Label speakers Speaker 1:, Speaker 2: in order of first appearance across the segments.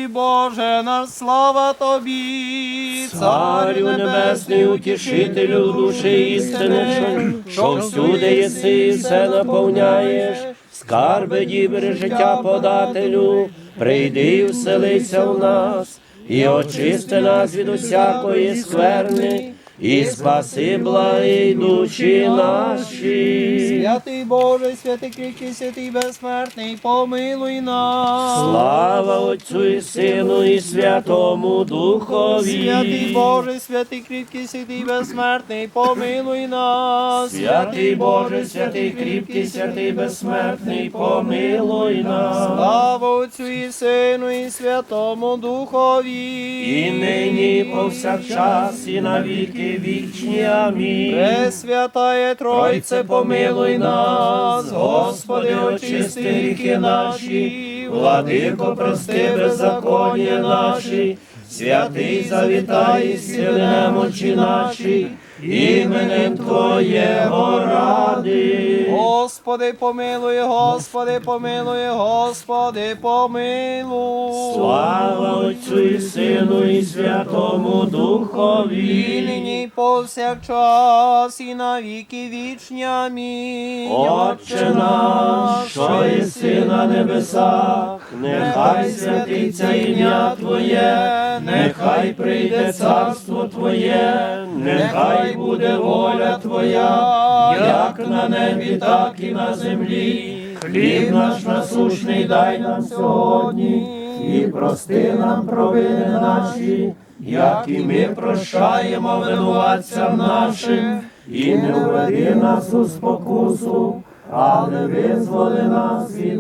Speaker 1: Боже наш, слава Тобі,
Speaker 2: Царю небесний, утішителю душі істини, що всюди єси і все наповняєш, скарби дібри життя подателю, прийди і вселися в нас, і очисти нас від усякої скверни, і спаси благі душі наші.
Speaker 1: Святий Боже, святий кріпкий, святий безсмертний, помилуй нас.
Speaker 2: Слава Отцю і Сину і Святому Духові.
Speaker 1: Святий Боже, святий кріпкий, святий безсмертний, помилуй нас.
Speaker 2: Святий Боже, святий кріпкий, святий безсмертний, помилуй нас.
Speaker 1: Слава Отцю і Сину і Святому Духові.
Speaker 2: І нині, і повсякчас, і на віки вічні. Амінь.
Speaker 1: Пресвятає Тройце, помилуй нас. Господи, очисти гріхи наші, Владико, прости беззаконня наші, святий завітай, зціли немочі наші, іменем Твоєго ради. Господи, помилуй, Господи, помилуй, Господи, помилуй.
Speaker 2: Слава Отцю і Сину і Святому Духові.
Speaker 1: І нині, і повсякчас, і на віки вічні. Амінь.
Speaker 2: Отче наш, що єси на небесах, нехай святиться ім'я Твоє, нехай прийде царство Твоє, нехай буде воля Твоя, як на небі, так і на землі. Хліб наш насущний дай нам сьогодні, і прости нам провини наші, як і ми прощаємо винуватцям нашим, і не введи нас у спокусу, але визволи нас від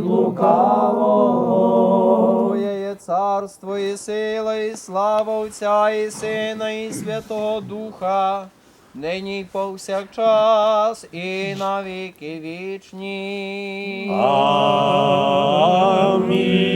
Speaker 2: лукавого.
Speaker 1: Твоє є царство, і сила, і слава Отця, і Сина, і Святого Духа, нині й повсякчас, і на віки вічні.
Speaker 2: Амінь.